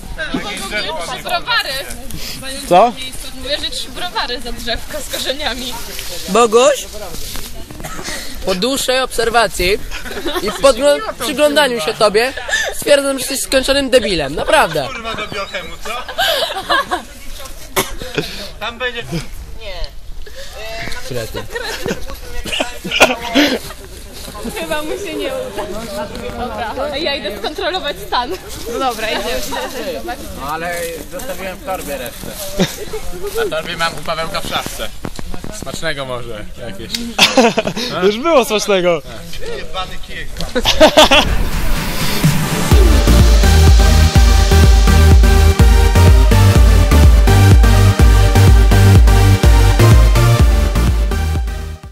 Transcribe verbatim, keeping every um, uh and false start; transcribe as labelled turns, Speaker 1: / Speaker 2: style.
Speaker 1: Trzy browary.
Speaker 2: Co?
Speaker 1: Mówię, że trzy browary za drzewko z korzeniami.
Speaker 3: Boguś, po dłuższej obserwacji i po przyglądaniu się tobie stwierdzam, że jesteś skończonym debilem, naprawdę.
Speaker 4: Kurwa do biochemu, co? Tam będzie...
Speaker 3: Krety.
Speaker 1: Chyba mu się nie uda. Dobra, ja idę skontrolować stan. No dobra, idę.
Speaker 4: No ale zostawiłem w torbie resztę. Na torbie mam u Pawełka w szafce. Smacznego może jakieś.
Speaker 2: Już było smacznego.
Speaker 4: Jebany kijek.